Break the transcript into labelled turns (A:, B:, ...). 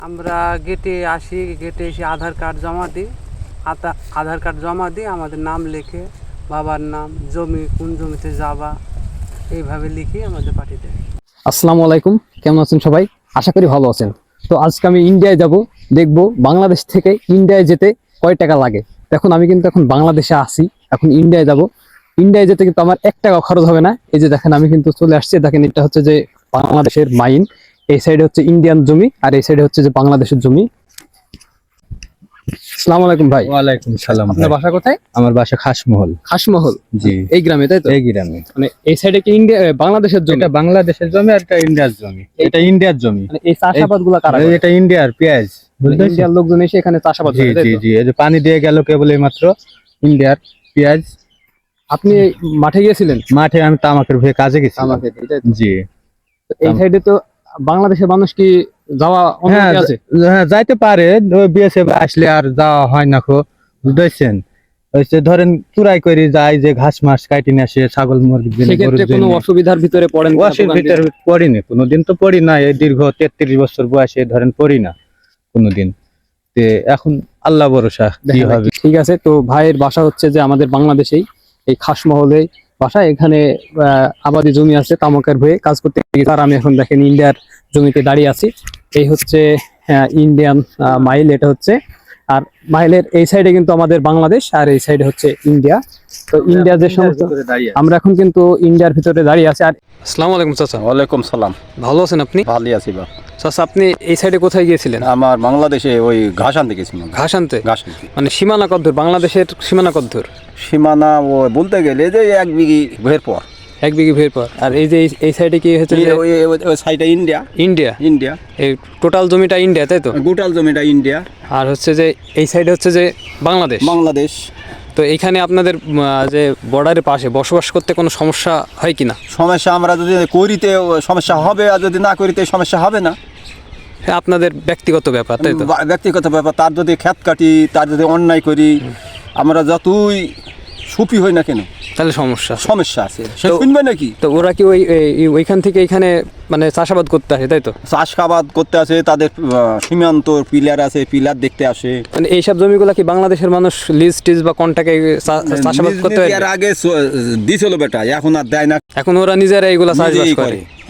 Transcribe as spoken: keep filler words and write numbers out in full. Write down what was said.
A: আমরা গেটে আসি, গেটে এসে আধার কার্ড জমা দিই। আতা আধার কার্ড জমা দিই, আমাদের নাম লিখে, বাবার নাম, জমি কোন জমিতে যাবা, এইভাবে লিখে আমাদের পাঠিয়ে দেয়।
B: আসসালামু আলাইকুম, কেমন আছেন সবাই? আশা করি ভালো আছেন। তো আজকে আমি ইন্ডিয়ায় যাব, দেখব বাংলাদেশ থেকে ইন্ডিয়ায় যেতে কয় টাকা লাগে। দেখুন আমি কিন্তু এখন বাংলাদেশে আসি, এখন ইন্ডিয়ায় যাব। ইন্ডিয়ায় যেতে কিন্তু আমার এক টাকা খরচ হবে না। এই যে দেখেন আমি কিন্তু চলে আসছি, দেখেন এটা হচ্ছে যে বাংলাদেশের মাইন, এই সাইডে হচ্ছে ইন্ডিয়ান জমি আর এই সাইডে হচ্ছে যে বাংলাদেশের জমি। আসসালামু আলাইকুম ভাই।
C: ওয়ালাইকুম সালাম।
B: আপনার বাসা কোথায়?
C: আমার বাসা খাসমহল।
B: খাসমহল,
C: জি।
B: এই গ্রামে, তাই তো?
C: এই গ্রামে।
B: মানে এই সাইডে কি ইন্ডিয়া বাংলাদেশের জমি?
C: এটা বাংলাদেশের জমি আর এটা ইন্ডিয়ার জমি। এটা ইন্ডিয়ার জমি।
B: মানে এই চাষাবাদ গুলা কারা করে?
C: এটা ইন্ডিয়ার পেঁয়াজ, বুঝতে
B: ইন্ডিয়ার লোকজন এসে এখানে চাষাবাদ
C: জি
B: করে, তাই
C: জি
B: তো?
C: জি। এই যে পানি দিয়ে গেল কেবল এই মাত্র ইন্ডিয়ার পেঁয়াজ।
B: আপনি মাঠে গিয়েছিলেন?
C: মাঠে আমি তামাকের ভয়ে কাজে গেছি।
B: আমাকে
C: জি।
B: এই সাইডে তো বাংলাদেশের মানুষ কি যাওয়া
C: হ্যাঁ
B: অনুমতি আছে?
C: হ্যাঁ, যাইতে পারে, বিএসএফ আসলে আর যাওয়া হয় না খো, বুঝতেছেন? হচ্ছে ধরেন চুরাই করে যায়, যে ঘাস মাস কাটি নিয়ে আসে, ছাগল মুরগির জন্য,
B: সেক্ষেত্রে কোনো অসুবিধার ভিতরে পড়েন কিনা?
C: ওয়াশের ভিতরে পড়িনি কোনোদিন, তো পড়ি না। এই দীর্ঘ তেত্রিশ বছর বয়সে ধরেন পড়ি না কোনোদিন। তে এখন আল্লাহ ভরসা কি হবে।
B: ঠিক আছে, তো ভাইয়ের বাসা হচ্ছে যে আমাদের বাংলাদেশেই, এই খাসমহলে বাসা। এখানে আহ, আবাদি জমি আছে, তামাকের ভয়ে কাজ করতে গিয়ে আর আমি এখন দেখেন ইন্ডিয়ার জমিতে দাঁড়িয়ে আছি। এই হচ্ছে ইন্ডিয়ান মাইল, এটা হচ্ছে। আর মাইলের এই সাইডে কিন্তু আমাদের বাংলাদেশ আর এই সাইডে হচ্ছে ইন্ডিয়া। তো ইন্ডিয়া যে সমস্ত, আমরা এখন কিন্তু ইন্ডিয়ার ভিতরে দাঁড়িয়ে আছি। আর আসসালামু আলাইকুম চাচা।
D: ওয়ালাইকুম সালাম।
B: ভালো আছেন আপনি?
D: ভালোই আছি বা।
B: চাচা আপনি এই সাইডে কোথায় গিয়েছিলেন?
D: আমার বাংলাদেশে ওই ঘাস আনতে গেছিলাম।
B: ঘাস আনতে?
D: ঘাস আনতে।
B: মানে সীমানা কদ্দূর? বাংলাদেশের সীমানা কদ্দূর?
D: সীমানা ও বলতে গেলে যে এক বিঘি ভের পর।
B: এক বিঘি ভের পর। আর এই যে এই- এই সাইডে কি হচ্ছে যে
D: ওই ওই সাইডটা ইন্ডিয়া।
B: ইন্ডিয়া?
D: ইন্ডিয়া।
B: এই টোটাল জমিটা ইন্ডিয়া, তাই তো?
D: গোটাল জমিটা ইন্ডিয়া।
B: আর হচ্ছে যে এই সাইডে হচ্ছে যে বাংলাদেশ।
D: বাংলাদেশ।
B: তো এখানে আপনাদের উম, আহ, যে বর্ডারের পাশে বসবাস করতে কোনো সমস্যা হয় কিনা?
D: সমস্যা আমরা যদি করিতে সমস্যা হবে, আর যদি না করিতে সমস্যা হবে না।
B: হ্যাঁ, আপনাদের ব্যক্তিগত ব্যাপার, তাই তো?
D: বা- ব্যক্তিগত ব্যাপার। তার যদি ক্ষেত কাটি, তার যদি অন্যায় করি, আমরা যতই সুপি হই না কেন,
B: তাহলে সমস্যা।
D: সমস্যা আছে। সে
B: তো-
D: শুনবে নাকি?
B: তো ওরা কি ওই এই- ওইখান থেকে এখানে মানে চাষাবাদ করতে আসে, তাই তো?
D: চাষাবাদ করতে আসে, তাদের আহ, সীমান্ত পিলার আছে, পিলার দেখতে আসে।
B: মানে এইসব জমিগুলা কি বাংলাদেশের মানুষ লিজ টিজ বা কন্টাকে চাষাবাদ
D: নিজ
B: করতে
D: নিজে
B: পারে?
D: এর আগে চ- দিছিল বেটা, এখন আর দেয় না।
B: এখন ওরা নিজেরা এইগুলা চাষবাস
D: নিজেই
B: করে।
D: করে।